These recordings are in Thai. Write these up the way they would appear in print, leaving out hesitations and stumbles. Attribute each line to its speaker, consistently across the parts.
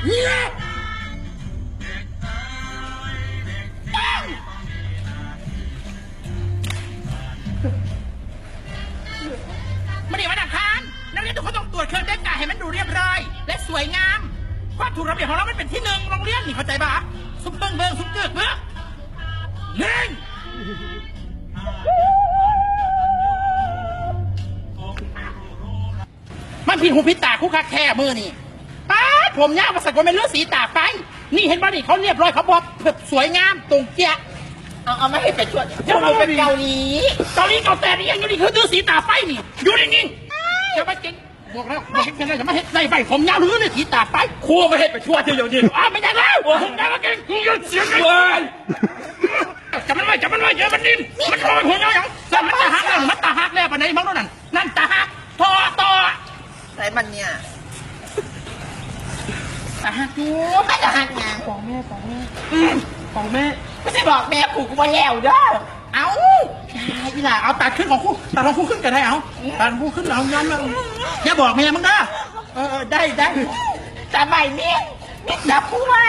Speaker 1: เนี่ยมันนี่มาดักทานนักเรียนทุกคนต้องตรวจเครื่องแต่งกายให้มันดูเรียบร้อยและสวยงามความถูกระเบียบของเรามันเป็นที่หนึ่งโรงเรียนนี่เข้าใจปะซุปเบิ้งซุปเกือกเบ้อหนึ่งมันผิดหูผิดตาคู่คักแค่มือนี่ป้าผมยาวมาสักวันเป็นเลือดสีตาไปนี่เห็นป่ะนี่เขาเรียบร้อยเขาบอกสวยงามตรงเจี๊ยะเอาไม่ให้ไปช่วยเจ้าเป็นเกาหลีเแต่นี่ยังอยู่นี่คือเลือดสีตาไปนี่อยู่นิ่งๆจะมาเก่งบอกแล้วบอกให้จะมาเห็นในใบผมยาวหรือในสีตาไปครัวไม่ให้ไปช่วยเจ้าอย่างนี้ไม่ได้แล้วผมยาวมาเก่งยืนเสียงกันจับมันไว้เยอะมันนิ่มมันลอยหัวอย่างสั่นมันตาหักแล้วปะไหนมั้งนั่นตาหักต่อ
Speaker 2: ไรมันเนี่ย
Speaker 1: ตาหักอยู่
Speaker 2: ไม่จะหักงาน
Speaker 1: ของแม่
Speaker 2: ไม่ใช่บอกแม่ผูกมาแล้วเด้อ
Speaker 1: เอาอีหล่าเอาตัดขึ้นของคู่ตัดของคู่ขึ้นกันได้เอาตัดของคู่ขึ้นเอาย้อนมาอย่าบอกแม่มึงนะได้
Speaker 2: แต่ใบนี้จับคู่ไว้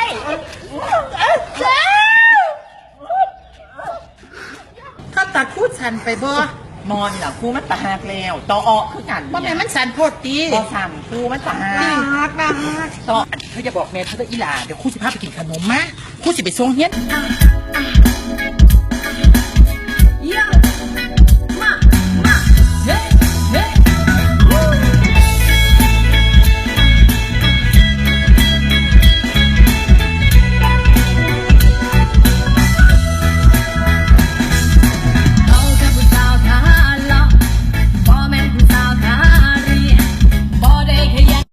Speaker 1: ถ้าตัดคู่สันไปบ่
Speaker 2: มอนเหรอคู่มันตาหักแล้วต่อออกคือกัน
Speaker 1: ว่าแม่มันสันโพดตี
Speaker 2: ต่อสั่นคู่มันตาหัก
Speaker 1: ต่อเธอจะบอกแม่เธอจะอีหล่าเดี๋ยวคู่สิพาไปกินขนมมะคู่สิไปส่งเฮียน